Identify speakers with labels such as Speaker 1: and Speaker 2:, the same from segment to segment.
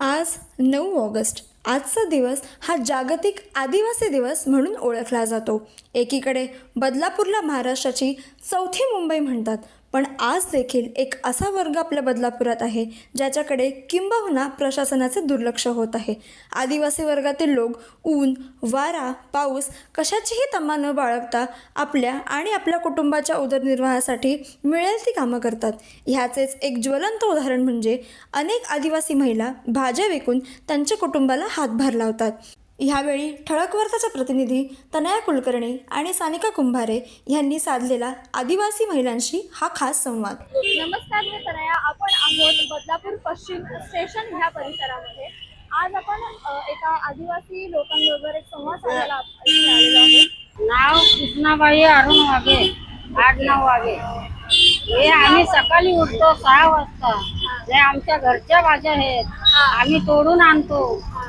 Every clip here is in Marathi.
Speaker 1: आज 9 ऑगस्ट. आजचा दिवस हा जागतिक आदिवासी दिवस म्हणून ओळखला जातो. एकीकडे बदलापूरला महाराष्ट्राची चौथी मुंबई म्हणतात, पण आज देखील एक असा वर्ग आपल्या बदलापुरात आहे ज्याच्याकडे किंबहुना प्रशासनाचे दुर्लक्ष होत आहे. आदिवासी वर्गातील लोक ऊन, वारा, पाऊस कशाचीही तमा न बाळगता आपल्या कुटुंबाच्या उदरनिर्वाहासाठी मिळेल ती कामं करतात. ह्याचेच एक ज्वलंत उदाहरण म्हणजे अनेक आदिवासी महिला भाज्या विकून त्यांच्या कुटुंबाला हातभार लावतात. ह्यावेळी ठळक वार्ताच्या प्रतिनिधी तनया कुलकर्णी आणि सानिका कुंभारे यांनी साधलेला आदिवासी महिलांशी हा खास संवाद.
Speaker 2: नमस्कार, मी तनया. आपण आहोत बदलापूर पश्चिम स्टेशन ह्या परिसरामध्ये. आज आपण एका आदिवासी लोकांबरोबर एक संवाद साधायला इथे आलेलो आहोत.
Speaker 3: नाव कृष्णाबाई अरुण वाघे, 8-9 वाघे. हे आम्ही सकाळी उठतो 6 वाजता. हे आमच्या घरच्या भाज्या आहेत, आम्ही तोडून आणतो,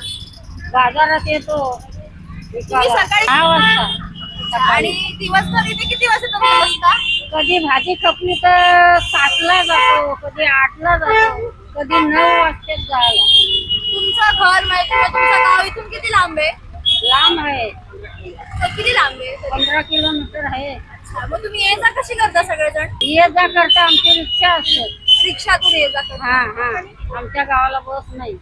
Speaker 3: बाजारात येतो विकायला.
Speaker 2: सकाळी
Speaker 3: 6 वाजता
Speaker 2: आणि
Speaker 3: सकाळी.
Speaker 2: दिवसभर इथे किती वाजता तुम्ही बसता?
Speaker 3: कधी भाजी खपली तर 7ला जातो, कधी 8ला जातो, कधी 9 वाजता जायला.
Speaker 2: तुमचं घर माहिती आहे, तुमचं गाव इथून किती लांब आहे?
Speaker 3: लांब आहे,
Speaker 2: तर किती लांब आहे?
Speaker 3: 15 किलोमीटर आहे.
Speaker 2: अच्छा, मग तुम्ही ये जा कशी करता सगळेजण?
Speaker 3: ये जा करता आमची रिक्षा असते.
Speaker 2: रिक्षातून ये जा करता?
Speaker 3: हा, आमच्या गावाला बस नाही.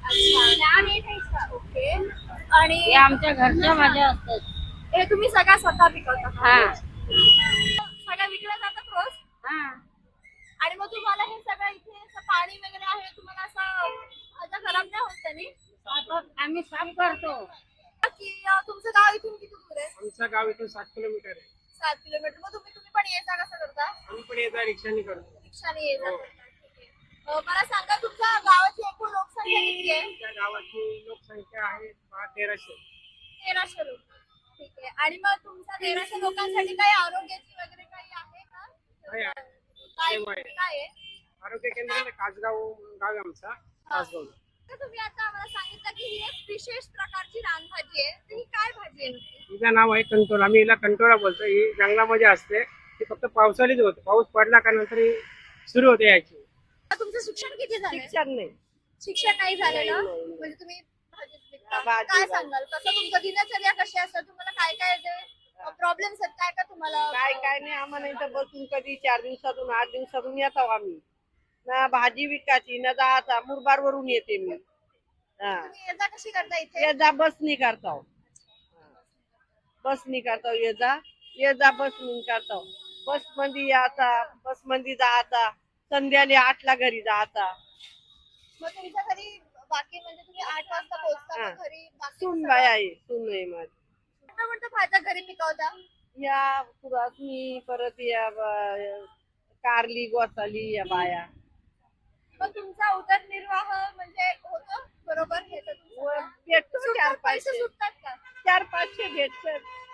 Speaker 2: अच्छा, ओके. आणि
Speaker 3: हे आमच्या घरच्या भाज्या असतात.
Speaker 2: हे तुम्ही सगळ्या स्वतः पिकवता का?
Speaker 3: हा
Speaker 2: सगळ्या विकल्या जातात रोज?
Speaker 3: हा.
Speaker 2: आणि मग तुम्हाला हे सगळं इथे असं पाणी वगैरे आहे, तुम्हाला असं खराब नाही होत त्यांनी?
Speaker 3: आता आम्ही साफ करतो.
Speaker 2: की तुमचं गाव इथून किती दूर आहे?
Speaker 4: आमचं गाव इथून 7 किलोमीटर आहे.
Speaker 2: 7 किलोमीटर. मग तुम्ही पण ये जा कसं करता?
Speaker 4: आम्ही पण येता रिक्षाने करतो.
Speaker 2: रिक्षाने ये जा करता. ठीक आहे. मला सांगा, तुमच्या गावाची एकूण लोकसंख्या किती आहे?
Speaker 4: त्या गावाची लोकसंख्या आहे 1300.
Speaker 2: 1300 लोक. ठीक आहे. आणि मग तुमच्या 1300 लोकांसाठी काही आरोग्याची वगैरे काही आहे का?
Speaker 4: आहे, आहे.
Speaker 2: काय
Speaker 4: सेवा आहे.
Speaker 2: काय आहे?
Speaker 4: आरोग्य केंद्र कासगाव गाव आहे आमचा. कासगाव.
Speaker 2: तर तुम्ही आता आम्हाला सांगितलं की ही एक विशेष प्रकारची रानभाजी आहे. तर ही काय भाजी आहे नक्की?
Speaker 4: हिचं नाव आहे कंटोला. आम्ही हिला कंटोला बोलतो. ही जंगलामध्ये असते. ती फक्त पावसाळीच होते. पाऊस पडला का नंतर ही सुरू होते याची.
Speaker 2: तुमचं शिक्षण किती झालंय?
Speaker 4: शिक्षण नाही.
Speaker 2: शिक्षण नाही झालेलं
Speaker 4: नाही.
Speaker 2: म्हणजे तुम्ही भाजीच विकता.
Speaker 4: भाजी
Speaker 2: काय
Speaker 4: विकता.
Speaker 2: सांगाल, कसं तुमचं दिनचर्या कशी असतात? तुम्हाला काय काय जे प्रॉब्लेम्स आहेत, काय काय तुम्हाला?
Speaker 5: काय नाही, आम्हाला इथं बसून कधी 4 दिवसातून 8 दिवसातून येतो आम्ही. ना भाजी विकायची ना जायचा. मुरबाड वरून येते मी. हा,
Speaker 2: तुम्ही ये जा कशी करता इथे?
Speaker 5: ये जा बसनी करतो. बसनी करतो. ये जा बसनी करतो. बस मध्ये यायचा, बस मध्ये जायचा, संध्याकाळी 8ला घरी जायचा.
Speaker 2: मग तुमच्या घरी बाकी म्हणजे तुम्ही 8 वाजता पोहोचता,
Speaker 5: हा.
Speaker 2: मग घरी बाकी
Speaker 5: सूनबाई आहे, सून आहे माझी.
Speaker 2: कोणत्या भाज्या घरी पिकवता?
Speaker 5: या कुरासनी, परत या कारली, गोसाली या बाया.
Speaker 2: मग तुमचा उदरनिर्वाह म्हणजे होतो बरोबर? हे तर तुमचं
Speaker 5: भेटतो
Speaker 2: सुटतात,
Speaker 5: 4-500.
Speaker 2: पैसे सुटतात का?
Speaker 5: 400-500 भेटतात.